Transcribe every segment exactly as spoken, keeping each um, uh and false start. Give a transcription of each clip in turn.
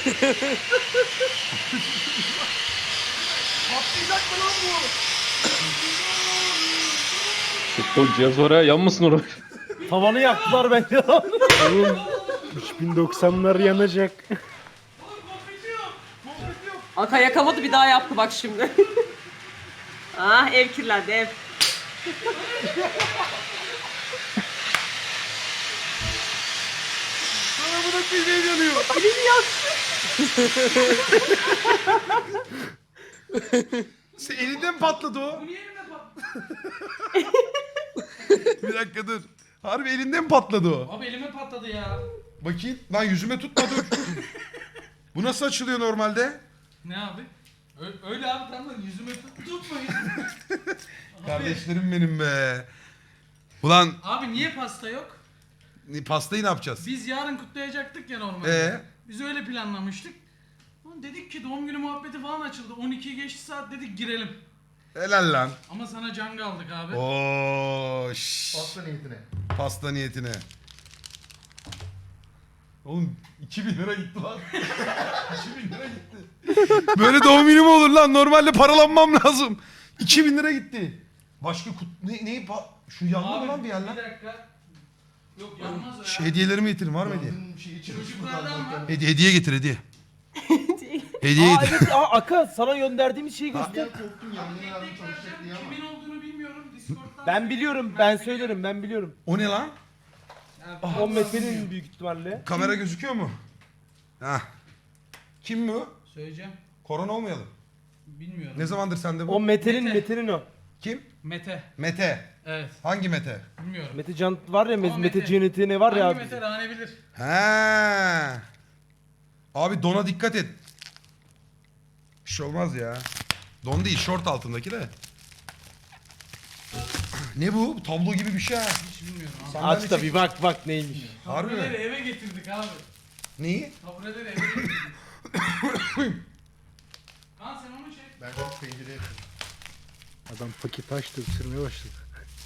Patlayacak mı lan bu? Futbol cihaz var ya, yanmasın oraya. Tavanı yaktılar bence. Oğlum üç bin doksanlar yanacak. Aka yakamadı bir daha yaptı bak şimdi. Ah ev kirlendi ev. Sana bu da bir şey yanıyor. Elini yaktı. Sen elinden patladı o. Bu niye elime patladı? Bir dakika dur. Harbi elinden patladı o. Abi elime patladı ya. Bakayım. Lan yüzüme tutma dur. Bu nasıl açılıyor normalde? Ne abi? Ö- öyle abi tamam yüzüme tut tutmayın. Abi, Kardeşlerim benim be. Ulan abi niye pasta yok? pastayı ne yapacağız? Biz yarın kutlayacaktık ya normalde. Ee? Biz öyle planlamıştık. Lan dedik ki doğum günü muhabbeti falan açıldı. on ikiyi geçti saat dedik girelim. Helal lan. Ama sana can aldık abi. Oo, şşş. Pasta niyetine. Pasta niyetine. Oğlum iki bin lira gitti lan. iki bin lira gitti. Böyle doğum günü mü olur lan? Normalde paralanmam lazım. iki bin lira gitti. Başka kut... Ne, neyi pa... Şu yandı mı Abi lan bir yer lan? bir dakika. Yok yanmaz o ya. Şu hediyelerimi getirin var mı hediye? Yangın şeyi çıkmış Çocuklardan var. Hediye, hediye getir hediye. Hediye Aa getir. evet, aa, Aka sana gönderdiğimiz şeyi göster. Ya korktum yangına Tek yardım tek çalışacak vereceğim. diye ama. Kimin olduğunu bilmiyorum. Discord'dan. Ben biliyorum, ben söylerim, ben biliyorum. O ne lan? Ya, O Mete'nin büyük ihtimalle. Kamera gözüküyor mu? Hah. Kim bu? Söyleyeceğim. Korona olmayalım. Bilmiyorum. Ne zamandır sende bu? O Mete'nin, Mete. Mete'nin o. Kim? Mete. Mete. Evet. Hangi Mete? Bilmiyorum. Mete Can var ya, Ama Mete, Mete. Mete Cennet'i ne var ya Hangi abi. Mete Rane bilir. He. Abi dona dikkat et. Bir şey olmaz ya. Don değil, şort altındaki de. Ne bu? Tablo gibi bir şey ha. Hiç bilmiyorum abi. Sandalye Aç da çek- bir bak bak neymiş. Harbi mi? Tabureleri eve getirdik abi. Neyi? Tabureleri eve getirdik. Kaan sen onu çek. Ben de pencereye Adam paket açtı ısırmaya başladı.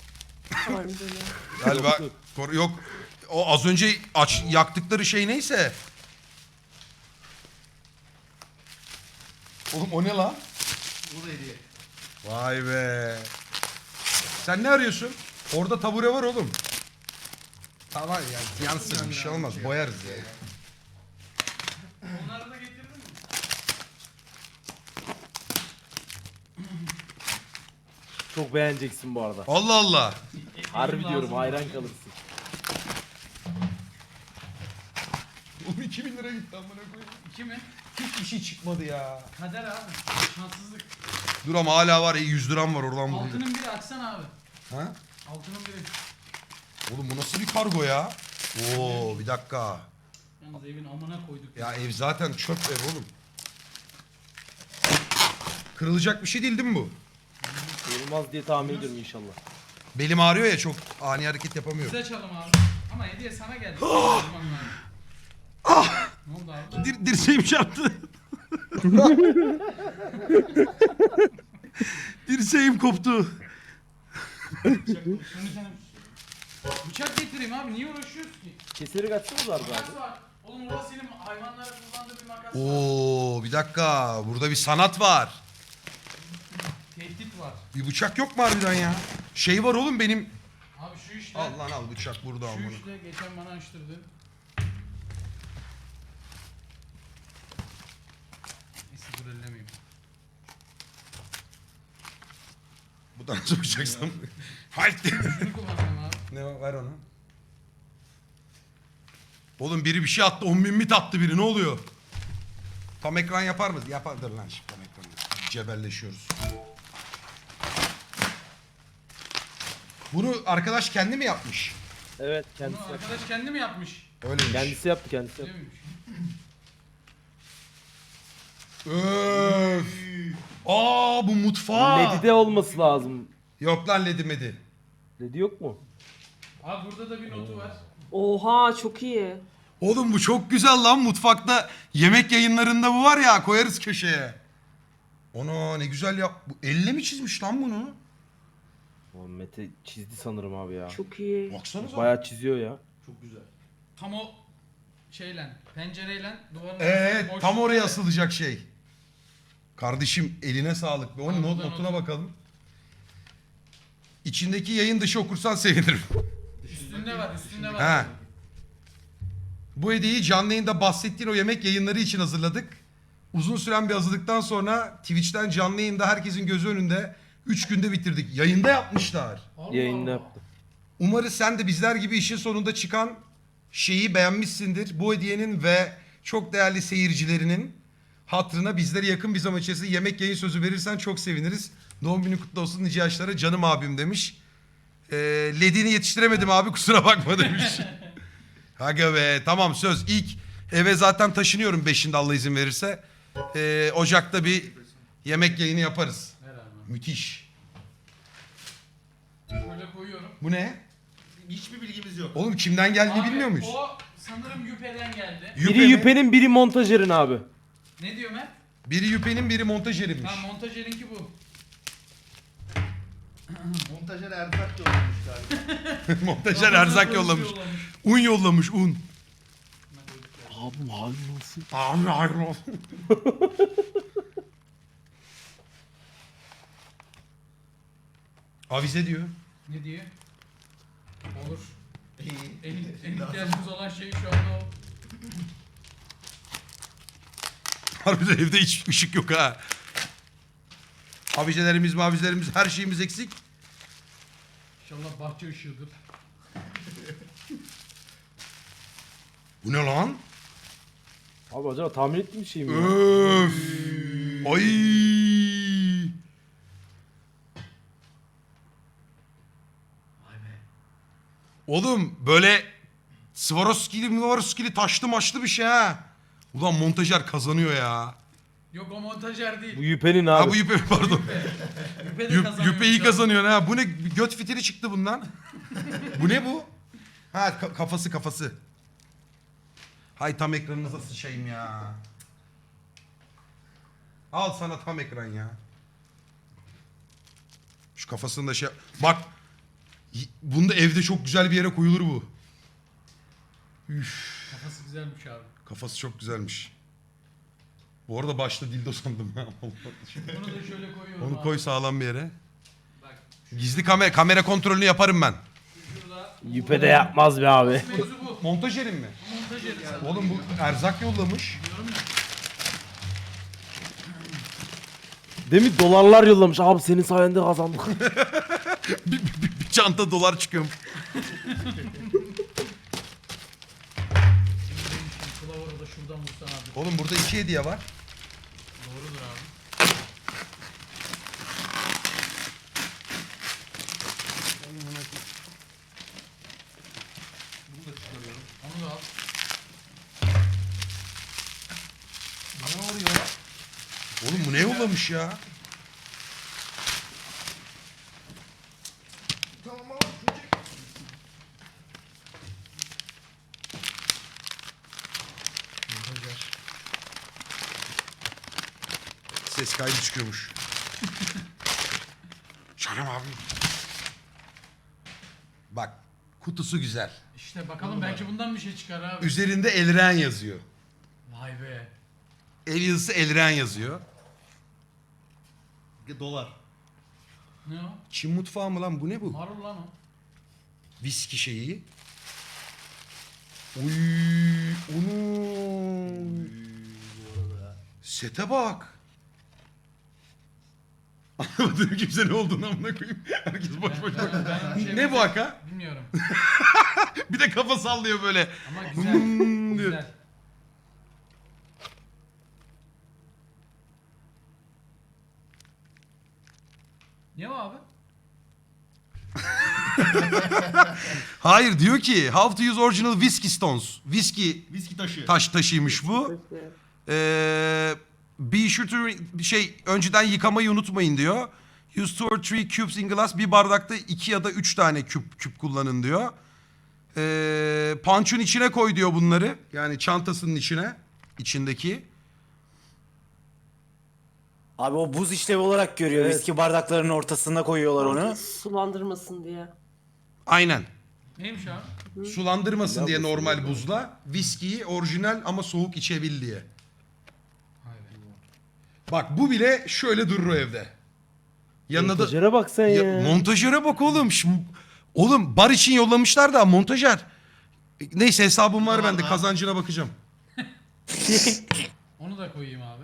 Galiba kor- yok. O az önce aç yaktıkları şey neyse. Oğlum o ne lan? Bu da hediye. Vay be. Sen ne arıyorsun? Orada tabure var oğlum. Tamam ya yansın bir şey olmaz boyarız ya. Onları da getirdin mi? Çok beğeneceksin bu arada. Allah Allah. Harbi Lazım diyorum, mı? hayran kalırsın. Oğlum iki bin lira gitti amına koyayım. İki mi? Hiçbir şey çıkmadı ya. Kader abi. Şanssızlık. Dur ama hala var ya yüz liram var oradan bulayım. Altının biri açsana abi. Ha? Altının biri. Oğlum bu nasıl bir kargo ya? Oo bir dakika. Yalnız evin amına koyduk. Ya ev zaten çöp ev oğlum. Kırılacak bir şey değil değil mi bu? Olmaz diye tahmin ediyorum inşallah. Belim ağrıyor ya çok ani hareket yapamıyorum. Biz açalım abi. Ama hediye sana geldi. ah! Ne oldu abi? Dir dirseğim çarptı. Dirseğim koptu. Bıçak, şunu sen... Bıçak getireyim abi. Niye uğraşıyoruz ki? Keseri kaçsınız var Makas abi. var. Oğlum orası senin hayvanlara kullandığı bir makas var. Oo bir dakika burada bir sanat var. Tehdit var. Bir bıçak yok mu harbiden ya? Şey var oğlum benim. Abi şu işte. Al lan al bıçak burada al Şu bunu. işte geçen bana açtırdın. Neyse dur ellemeyeyim. Bu da nasıl bıçaksam? Haydi. Şunu kullanacağım abi. Ne var ver onu. Oğlum biri bir şey attı on bin mit attı biri ne oluyor? Tam ekran yapar mı? Yapardır lan şimdi tam ekran. Cebelleşiyoruz. Bunu arkadaş kendi mi yapmış? Evet, Bunu kendisi yaptı. arkadaş kendi mi yapmış? Öyleymiş. Kendisi yaptı, kendisi Öyle yaptı. miymiş? Öf. Aa bu mutfağı. Ledi'de olması lazım. Yok lan ledi medi. Ledi yok mu? Abi burada da bir notu var. Oha çok iyi. Oğlum bu çok güzel lan mutfakta yemek yayınlarında bu var ya koyarız köşeye. Ona ne güzel yap. Bu elle mi çizmiş lan bunu? O Mete çizdi sanırım abi ya. Çok iyi. Baksanıza. Bayağı çiziyor ya. Çok güzel. Tam o şeyle, pencereyle duvarın Evet arasında boşluk tam oraya var. asılacak şey. Kardeşim eline sağlık. Onun Tamam, not, buradan notuna otur. bakalım. İçindeki yayın dışı okursan sevinirim. Üstünde var, üstünde var. Ha. Bu hediyeyi canlı yayında bahsettiğin o yemek yayınları için hazırladık. Uzun süren bir hazırlıktan sonra Twitch'ten canlı yayında herkesin gözü önünde üç günde bitirdik. Yayında yapmışlar. Allah Yayında Allah. yaptım. Umarız sen de bizler gibi işin sonunda çıkan şeyi beğenmişsindir. Bu hediyenin ve çok değerli seyircilerinin hatırına bizlere yakın bir zaman içerisinde yemek yayın sözü verirsen çok seviniriz. Doğum günü kutlu olsun nice yaşlara canım abim demiş. Ee, ledini yetiştiremedim abi kusura bakma demiş. Aga be tamam söz ilk eve zaten taşınıyorum beşinde Allah izin verirse. Ee, Ocak'ta bir yemek yayını yaparız. Ver abi. Müthiş. Şöyle koyuyorum. Bu ne? Hiçbir bilgimiz yok. Oğlum kimden geldiğini Abi, bilmiyor muyuz? O sanırım Yüpe'den geldi. Yüpe Biri mi? Yüpe'nin biri montajerin abi. Ne diyor Mert? Biri Yüpe'nin biri montajerinmiş. Ha montajerinki bu. Montajer erzak yollamış galiba. Montajer erzak yollamış. Un yollamış un. Abi hayır olsun. Abi hayır olsun. Avize diyor. Ne diyor? Olur. İyi. En, en ihtiyacımız olan şey şu anda o. Harbiden evde hiç ışık yok ha. Avizelerimiz mavizelerimiz her şeyimiz eksik. İnşallah bahçe ışığıdır. Bu ne lan? Abi acaba tahmin ettiğim şey mi ya? Öf. Ay. Oğlum böyle Swarovski'li Swarovski'li taşlı maçlı bir şey ha. Ulan montajer kazanıyor ya. Yok o montajer değil. Bu Yüpe'nin abi. Ha bu yüpe pardon. Yüpe de Yüp, kazanıyor. yüpe iyi şu an. kazanıyor ha. Bu ne göt fitili çıktı bundan. Bu ne bu? Ha ka- kafası kafası. Hay tam ekranınıza sıçayım ya. Al sana tam ekran ya. Şu kafasını da şey... Bak. y- Bunda evde çok güzel bir yere koyulur bu. Kafası güzelmiş abi. Kafası çok güzelmiş. Bu arada başta dildo sandım ya. Bunu da şöyle koyuyorum Onu abi. koy sağlam bir yere. Bak Gizli kamera, kamera kontrolünü yaparım ben. şurada. Yüpe de yapmaz be abi. Mevzu bu. Montajerim mi? Montajeri sen. Oğlum bu erzak yollamış. Diyorum ya. Demin dolarlar yollamış. Abi senin sayende kazandık. bir, bir- bir- bir çanta dolar çıkıyor. Kılavuru da şuradan vursan abi. Oğlum burada iki hediye var. Doğrudur abi. Bunu da çıkarıyorum. Onu da al. Ne oluyor? Oğlum bu ne yollamış ya? Tamam ama şunu çek. Ses kaydı çıkıyormuş. Canım abi. Bak kutusu güzel. İşte bakalım belki bundan bir şey çıkar abi. Üzerinde Elren yazıyor. Vay be. El yazısı Elren yazıyor. Dolar. Ne o? Çin mutfağı mı lan bu ne bu? Marul lan o. Viski şeyi. Uy, onu. Sete bak. Anlamadım kimse ne olduğunu amına koyayım. Herkes boş boş bak. Ben- ben bir şey Ne bu haka? Bilmiyorum. Bir de kafa sallıyor böyle. Ama güzel. Hmm diyor. güzel. Ne o abi? Hayır diyor ki how to use original whiskey stones. Whiskey Viski taşı. taş taşıymış bu. Ee, be sure to şey önceden yıkamayı unutmayın diyor. Use two or three cubes in glass. Bir bardakta iki ya da üç tane küp küp kullanın diyor. Ee, punch'un içine koy diyor bunları. Yani çantasının içine. içindeki. Abi o buz işlevi olarak görüyor. Evet. Viski bardaklarının ortasına koyuyorlar onu. Sulandırmasın diye. Aynen. Neymiş abi? Sulandırmasın diye normal buzla. Viskiyi orijinal ama soğuk içebil diye. Bak bu bile şöyle durur o evde. Yanına da... Montajere bak sen ya. Ya, montajöre bak oğlum. Şim- Oğlum bar için yollamışlar da montajer. Neyse hesabım var bende, kazancına bakacağım. Onu da koyayım abi.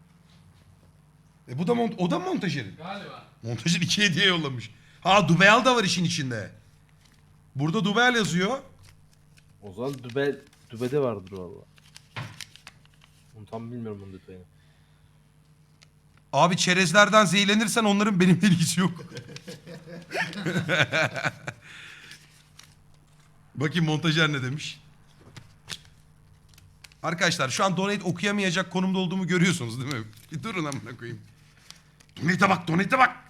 E bu da mont o da montajerin. Galiba. Montajer iki hediye yollamış. Ha Dubeyal da var işin içinde. Burada Dubeyal yazıyor. O zaman dübe, dübede vardır valla. Onu tam bilmiyorum bunun detayını. Abi çerezlerden zehirlenirsen onların benimle ilgisi yok. Bakayım montajer ne demiş. Arkadaşlar şu an donate okuyamayacak konumda olduğumu görüyorsunuz değil mi? Bir durun amına koyayım. Donate'e bak, donate'e bak.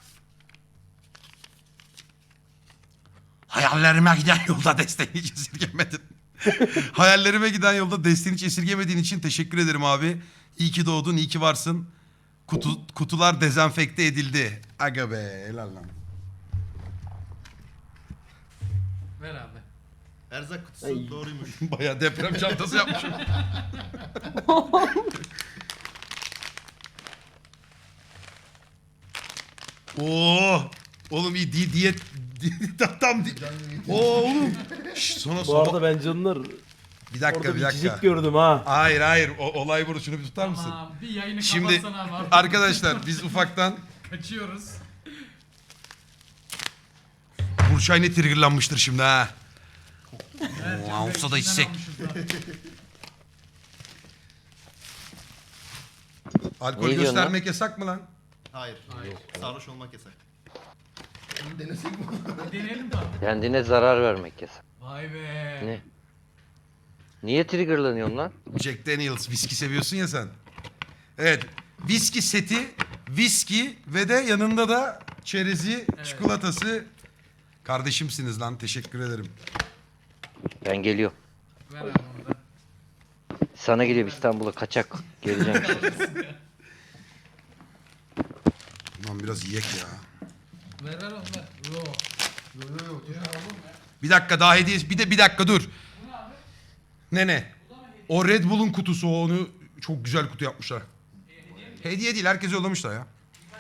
Hayallerime giden yolda desteğini hiç esirgemedin. Hayallerime giden yolda desteğini hiç esirgemediğin için teşekkür ederim abi. İyi ki doğdun, iyi ki varsın. Kutu, kutular dezenfekte edildi. Aga be, helal lan. Ver abi. Erzak kutusu Ay. doğruymuş. Bayağı deprem çantası yapmışım. Oo, oğlum iyi di diyet di- tam di Oo oğlum. Şş, sonra Bu sonra arada ben canlar bir dakika orada bir bir dakika. cicik gördüm ha. Hayır hayır o, olay burada, şunu bir tutar mısın? Tamam, bir yayını Şimdi kapatsana abi. artık. arkadaşlar biz ufaktan Kaçıyoruz. Burçay ne triggerlanmıştır şimdi ha. Evet, Oo, olsa da içsek. Alkol Ne diyorsun göstermek yasak mı lan? Hayır. Hayır. Sarhoş olmak yasak. Bunu denesek mi? Deneyelim mi abi? Kendine zarar vermek yasak. Vay be. Ne? Niye triggerlanıyorsun lan? Jack Daniels viski seviyorsun ya sen. Evet. Viski seti, viski ve de yanında da çerezi, çikolatası. Kardeşimsiniz lan. Teşekkür ederim. Ben geliyorum. Ver abi onu da. Sana geliyorum İstanbul'a kaçak. Geleceğim. Ulan biraz yiyek ya. Ver ver onu ver. Yo. Yo yo yo. Bir dakika daha hediye. Bir de bir dakika dur. Ne ne? O Red Bull'un kutusu, o, onu çok güzel kutu yapmışlar. Hediye değil, herkese yollamışlar ya.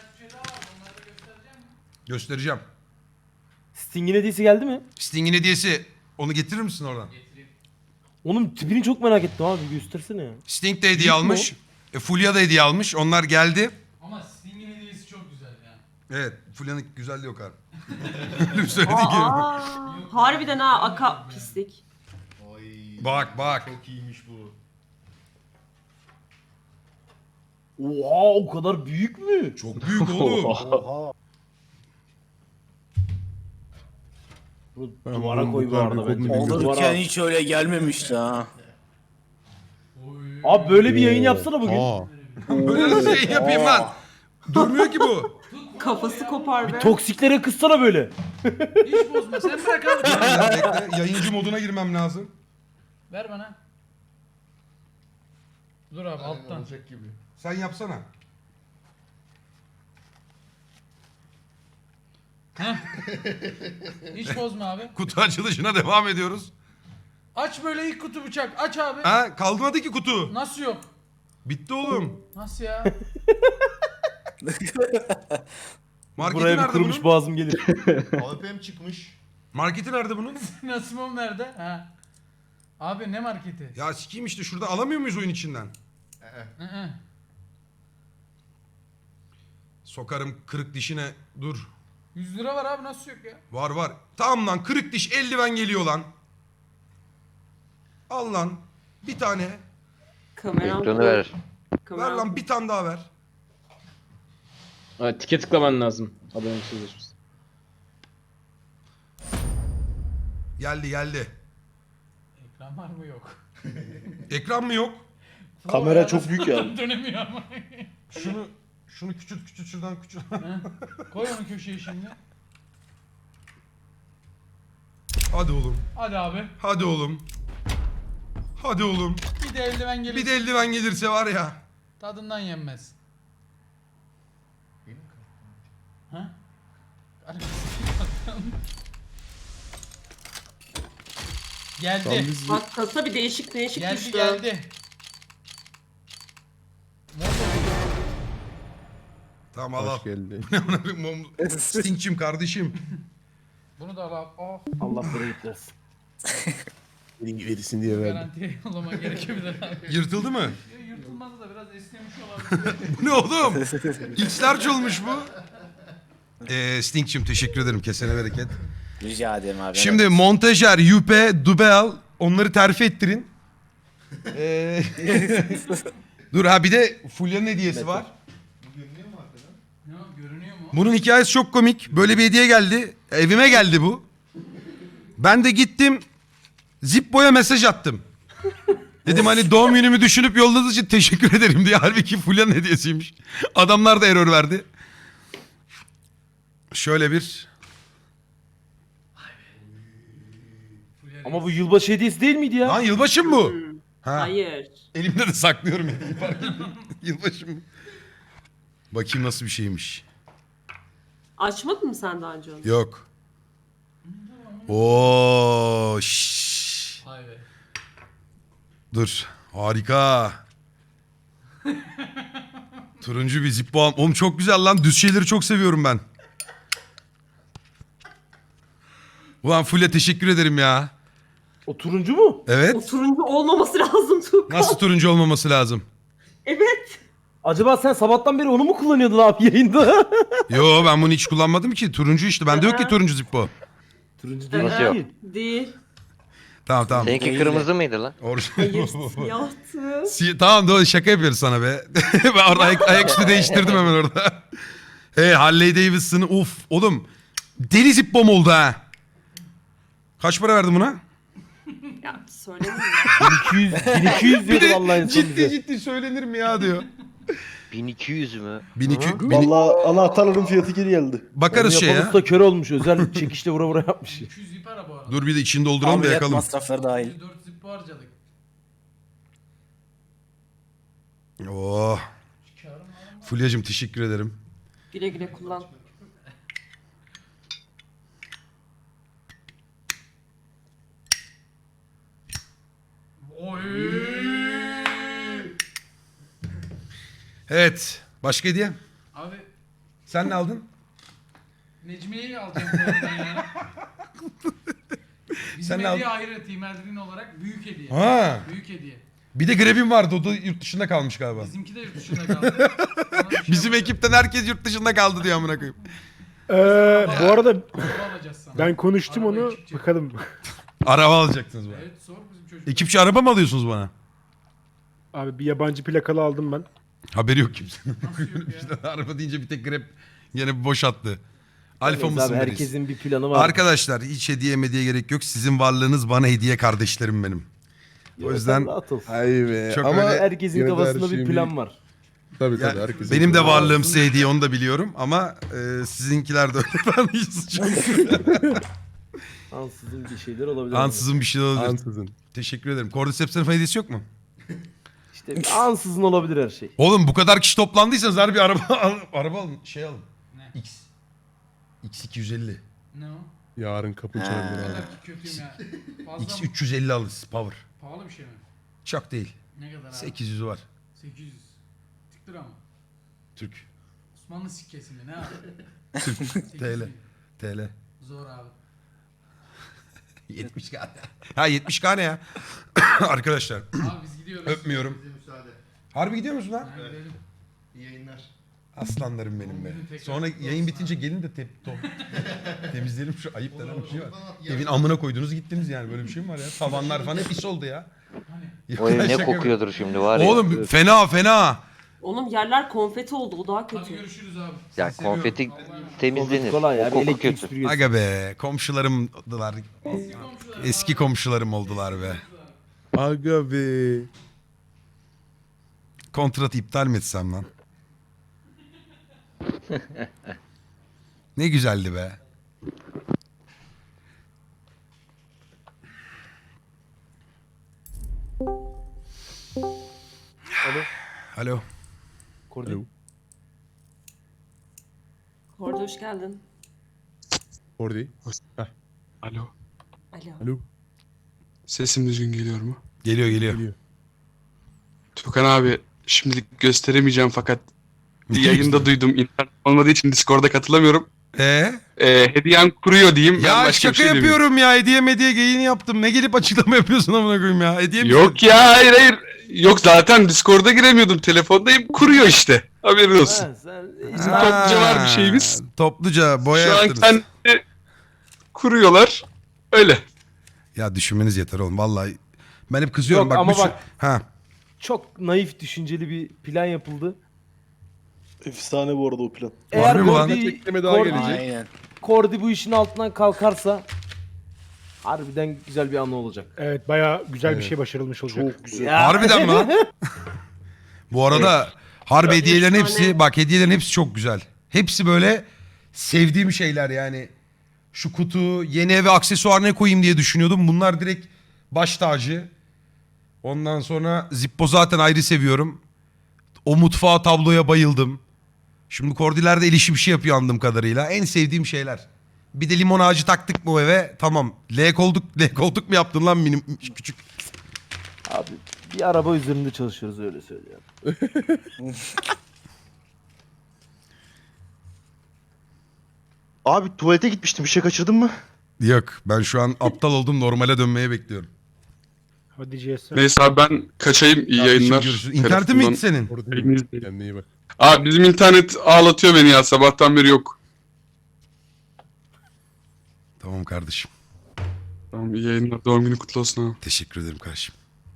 Göstereceğim. Sting'in hediyesi geldi mi? Sting'in hediyesi. Onu getirir misin oradan? Onun tipini çok merak ettim abi, göstersene ya. Sting de hediye Büyük mü almış. E, Fulya da hediye almış. Onlar geldi. Ama Sting'in hediyesi çok güzel ya. Evet. Fulya'nın güzelliği yok abi. Öyle bir söylediği gibi. Aa, harbiden ha aka pislik. Oy. Bak bak. Çok iyiymiş bu. Oha, o kadar büyük mü? Çok büyük oğlum. Oha. Bunu Ben duvara bunun koy bu bu kadar arada büyük bence. olduğunu bilmiyordum. Duvara- Olurken hiç öyle gelmemişti ha. Oy. Abi böyle bir yayın yapsana bugün. Aa. Böyle nasıl yayın yapayım lan? Durmuyor ki bu. Kafası kopar be. Toksiklere kızsana böyle. Hiç bozma. Sen bırak abi. Bekle, yayıncı moduna girmem lazım. Ver bana. Dur abi alttan. Olacak gibi. Sen yapsana. Hiç bozma abi. Kutu açılışına devam ediyoruz. Aç böyle ilk kutu bıçak. Aç abi. Ha, kalmadı ki kutu. Nasıl yok? Bitti oğlum. Nasıl ya? Marketi Buraya bir nerede kırmış bunun? boğazım gelir. A W P'm çıkmış. Marketi nerede bunun? Nasımım nerede? Ha. Abi ne marketi? Ya sikeyim işte, şurada alamıyor muyuz oyun içinden? Ee, Hı hı. Sokarım kırık dişine, dur. yüz lira var abi, nasıl yok ya? Var var. Tamam lan, kırık diş eldiven geliyor lan. Al lan. Bir tane. Kameram Ekranı ver. Ver Kameram. lan, bir tane daha ver. Ha, tike tıklaman lazım. Abone sözleşmesi. Geldi geldi. Ekran var mı yok? Ekran mı yok? Kamera çok büyük ya. Dönemiyor ama. Şunu şunu küçült küçült şuradan küçült. Ha? Koy onu köşeye şimdi. Hadi oğlum. Hadi abi. Hadi oğlum. Hadi oğlum. Bir de eldiven gelir. Bir de eldiven gelirse var ya. Tadından yenmez. Ha? Geldi. Bak kasa bir değişik değişik Geldi düştü. geldi. Tamam al al. Hoş geldin. Sting'cim kardeşim. Bunu da al. Oh, Allah bereket versin. Verirsin diye verdim. garantiye yollaman gerekebilir abi. Yırtıldı mı? Ya, yırtılmadı da biraz esnemiş olabilir. Bu ne oğlum? X-large olmuş bu. Ee, Sting'cim teşekkür ederim. Kesene bereket. Rica ederim abi. Şimdi montajer, Yüpe, Dubel onları terfi ettirin. Ee, Dur ha bir de Fulya'nın hediyesi var. Ne o, görünüyor mu? Bunun hikayesi çok komik. Böyle bir hediye geldi. Evime geldi bu. Ben de gittim. Zippo'ya mesaj attım. Dedim hani doğum günümü düşünüp yolladığınız için teşekkür ederim diye. Halbuki Fulya'nın hediyesiymiş. Adamlar da error verdi. Şöyle bir... Ama bu yılbaşı hediyesi değil miydi ya? Lan yılbaşı mı bu? Ha. Hayır. Elimde de saklıyorum hediyeyi fark ettim. Yılbaşı mı? Bakayım nasıl bir şeymiş. Açmadın mı sen daha önce onu? Yok. Oo, şşş. Vay be. Dur. Harika. Turuncu bir Zippo. al- Oğlum çok güzel lan. Düz şeyleri çok seviyorum ben. Ulan Fulya teşekkür ederim ya. O turuncu mu? O Evet. turuncu olmaması lazım Tuğkan. Nasıl turuncu olmaması lazım? Evet. Acaba sen sabahtan beri onu mu kullanıyordun abi yayında? Yo ben bunu hiç kullanmadım ki. Turuncu işte. Bende yok ki turuncu Zippo. turuncu değil. Nasıl yok? ki. Değil. Tamam tamam. Seninki kırmızı mıydı lan? Orijinal. Hayır siyahtı. Si- tamam doğru şaka yapıyoruz sana be. Ben orada ayak, ayaküstü değiştirdim hemen orada. Hey Harley Davidson'ı uf oğlum. Deli Zippo'm oldu ha. Kaç para verdin buna? Ya söylemeyeyim. bin iki yüz, bin iki yüz diyordu vallahi en son ciddi bize. ciddi söylenir mi ya diyor. bin iki yüz mü? bin iki yüz. Valla anahtarların fiyatı geri geldi. Bakarız Onu şey yapan ya. usta kör olmuş. Özel çekişle vura vura yapmış. iki yüz ip ara bu arada. Dur bir de içini dolduralım da Ameliyat yakalım. masrafları dahil. yüz dört zippo harcadık. Oh. Fulya'cığım teşekkür ederim. Güle güle kullan. Oy. Evet. Başka hediye? Abi Sen ne aldın? Necmiye'yi alacağım bu arada ya. Bizim Sen ne hediye ayrı Team Eldrin olarak büyük hediye. Ha. Büyük hediye. Bir de Grebin vardı. O da yurt dışında kalmış galiba. Bizimki de yurt dışında kaldı. Sana bir şey Bizim yapacağız. ekipten herkes yurt dışında kaldı diyor amına koyayım. Ee, bu arada Araba alacağız sana. ben konuştum Arabayı onu. çıkacak. Bakalım. Araba alacaksınız bana. Evet sor bizim çocuk. Ekipçi araba mı alıyorsunuz bana? Abi bir yabancı plakalı aldım ben. Haberi yok kimsenin. Nasıl yok ya? İşte araba deyince bir tek Grab yine bir boş attı. Alfa Evet mısın abi, biriz? herkesin bir planı var. Arkadaşlar hiç hediye mediye gerek yok. Sizin varlığınız bana hediye kardeşlerim benim. O yüzden rahat ol. Ay be. Çok ama öyle- Herkesin yine de kafasında her bir şeyin plan var. Tabii ya, tabii herkesin. benim de planı varlığım size hediye onu da biliyorum ama e, sizinkiler de öyle. Ben hiç suçum yok. Ansızın bir şeyler olabilir. Ansızın bir şey olabilir. Ansızın. Teşekkür ederim. Cordyceps'in hediyesi yok mu? İşte ansızın olabilir her şey. Oğlum bu kadar kişi toplandıysanız harbi araba al, araba alın. Şey alın. Ne? X. X iki yüz elli. Ne o? Yarın kapın Ha. Ne çalabilir abi. kadar ki kötüyüm ya. Fazla X mı? üç yüz elli alırız. Power. Pahalı bir şey mi? Çok değil. Ne kadar abi? sekiz yüzü var. sekiz yüz. Tık lira mı? Türk. Osmanlı sikkesi mi? Ne abi? Türk. sekiz T L. bin. T L. Zor abi. yetmiş K. Ha yetmiş K ne ya? Arkadaşlar. Abi biz gidiyoruz. Öpmüyorum. Bize müsaade. Harbi gidiyor musun lan? Ha, gidelim. İyi yayınlar. Aslanlarım benim be. Sonra yayın bitince gelin de te top. temizleyelim şu ayıp denen bir şey var. Evin amına koydunuz gittiniz yani böyle bir şey mi var ya? Tavanlar falan hep pis oldu ya. Hani? O ev Şaka ne yapıyorum. kokuyordur şimdi var ya. Oğlum fena fena. Oğlum yerler konfeti oldu o daha Hadi kötü. görüşürüz abi. Ya seviyorum. konfeti Konfeti temizlenir. kolay ya. O Bir koku elektrik kötü. süpürgesi. Aga be komşularımdılar. Eski komşularım oldular be. Aga be. Kontratı iptal mi etsem lan? Ne güzeldi be. Alo. Alo. Kordi. Alo. Orada hoş geldin. Orada. Heh. Alo. Alo. Alo. Sesim düzgün geliyor mu? Geliyor geliyor. Tukan abi şimdilik gösteremeyeceğim fakat yayında duydum. İnternet olmadığı için Discord'a katılamıyorum. Ee? Ee, hediyem kuruyor diyeyim. Ben Ya başka şaka bir şey demeyeyim. yapıyorum ya. Hediye mediye geyini yaptım. Ne gelip açıklama yapıyorsun amına koyayım ya. Hediye mi Yok ya hayır hayır. Yok zaten Discord'a giremiyordum. Telefondayım kuruyor işte. Haberin olsun. Ha, sen Bizim topluca var bir şeyimiz. Topluca boya Şu an yaptınız. kendi kuruyorlar. Öyle. Ya düşünmeniz yeter oğlum vallahi. Ben hep kızıyorum Yok bak. ama bu sü- bak- Ha. çok naif düşünceli bir plan yapıldı. Efsane bu arada o plan. Eğer Harbi mi lan? Kordi, daha Kordi, gelecek. Aynen. Kordi bu işin altından kalkarsa harbiden güzel bir anı olacak. Evet bayağı güzel bir şey başarılmış olacak. Çok güzel. Ya. Harbiden mi lan? Bu arada harbi hediyelerin Üç hepsi tane. bak hediyelerin hepsi çok güzel. Hepsi böyle sevdiğim şeyler yani. Şu kutu yeni eve aksesuar ne koyayım diye düşünüyordum. Bunlar direkt baş tacı. Ondan sonra Zippo zaten ayrı seviyorum. O mutfağa tabloya bayıldım. Şimdi Kordiler de el işi bir şey yapıyor anladığım kadarıyla. En sevdiğim şeyler. Bir de limon ağacı taktık mı o eve? Tamam. L koltuk, L koltuk mu yaptın lan minim küçük? Abi bir araba üzerinde çalışıyoruz öyle söylüyorum. Abi tuvalete gitmiştim. Bir şey kaçırdın mı? Yok ben şu an aptal oldum normale dönmeye bekliyorum. Hadi C S. Neyse abi ben kaçayım. İyi Kardeşim yayınlar. görüşürüz. İnternetin mi gitti senin? Yayını izleyin. Kendine iyi bak. Abi bizim internet ağlatıyor beni ya. Sabahtan beri yok. Tamam kardeşim. Tamam iyi yayınlar. Doğum günü kutlu olsun abi. Teşekkür ederim kardeşim.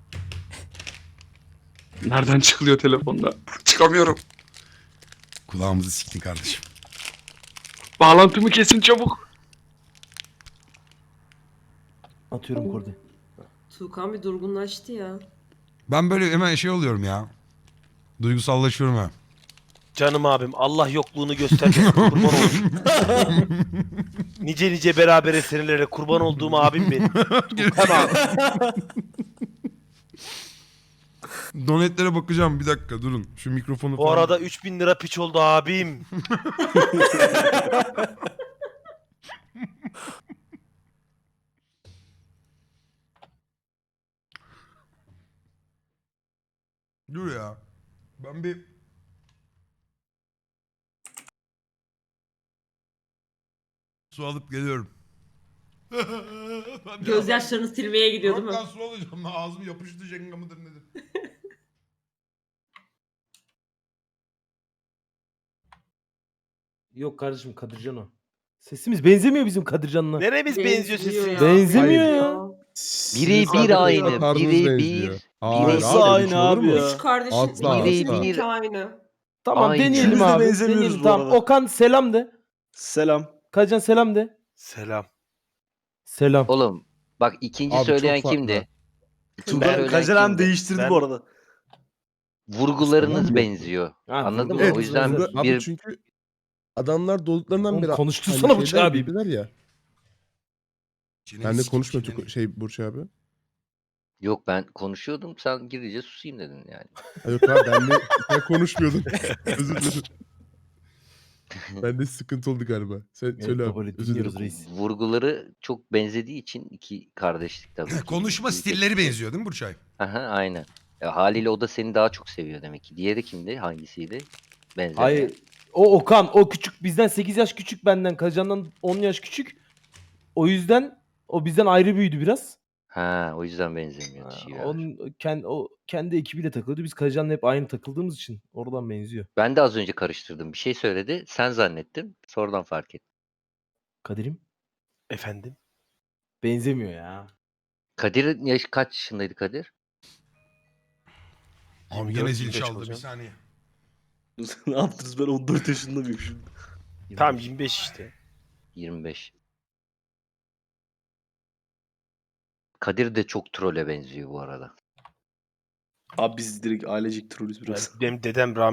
Nereden çıkılıyor telefonda? Çıkamıyorum. Kulağımızı siktin kardeşim. Bağlantımı kesin çabuk. Atıyorum Kordi. Tuğkan bir durgunlaştı ya. Ben böyle hemen şey oluyorum ya. Duygusallaşıyorum ha. Canım abim Allah yokluğunu göstermesin kurban olsun. Nice nice beraber senelere kurban olduğum abim benim. Tukan abi. Donetlere bakacağım bir dakika durun. Şu mikrofonu Bu arada üç bin lira piç oldu abim. Dur ya. Ben bir... Su alıp geliyorum. Gözyaşlarını silmeye gidiyor değil mi? Yok lan su alacağım. Ağzım yapıştı jenga mıdır nedir? Yok kardeşim Kadircan o. Sesimiz benzemiyor bizim Kadircan'la. Neremiz benziyor sesimiz? Benzemiyor ya. Biri bir aynı. Biri bir. Nasıl Biri aynı abi ya? Üç kardeşin Asla, ikisinin asla. iki aynı. Tamam Aynı. deneyelim İkimiz de abi. benzemiyoruz Deneyelim, bu tamam. arada. Okan selam de. Selam. Kadircan selam de. Selam. Selam. Oğlum bak ikinci Abi, söyleyen çok farklı. kimdi? Tugan söyleyen Kazanan kimdi? değiştirdi Ben- bu arada. Vurgularınız benziyor. Ha, Anladın mı? vurgularımız O yüzden benzer. Abi bir çünkü adamlar doğduklarından Oğlum beri konuştursana aynı bu şeyler abi. birbirler ya. Ben de konuşma Tuko- şey Burç abi. Yok ben konuşuyordum sen girince susayım dedin yani. Ha, yok abi ben de sen konuşmuyordun. Özür dilerim. Ben de sıkıntı oldu galiba. Sen Evet, söyle kabul abi. et, Özür dinliyoruz dilerim. reis. Vurguları çok benzediği için iki kardeşlik tabii. ki. Konuşma Büyük stilleri etkisi. benziyor değil mi Burçay? Aha aynen. Ya, haliyle o da seni daha çok seviyor demek ki. Diğeri kimdi? Hangisiydi? Benzer. Hayır. O Okan o küçük bizden sekiz yaş küçük benden. Kadircan'dan on yaş küçük. O yüzden o bizden ayrı büyüdü biraz. Ha o yüzden benzemiyor. Ha, dişiler. onun kendi o kendi ekibiyle takılıyordu. Biz Kadircan'la hep aynı takıldığımız için oradan benziyor. Ben de az önce karıştırdım. Bir şey söyledi. Sen zannettim. Sonradan fark ettim. Kadir'im Efendim? benzemiyor ya. Kadir yaş kaç yaşındaydı Kadir? Abi yirmi gene dört, zil yirmi beş çaldı bir olacağım. saniye. Ne yaptınız ben on dört yaşında mıyım şimdi? Tamam yirmi beş işte. yirmi beş. Kadir de çok trole benziyor bu arada. Abi biz direkt ailecek trollüz biraz. Benim dedem rahmetli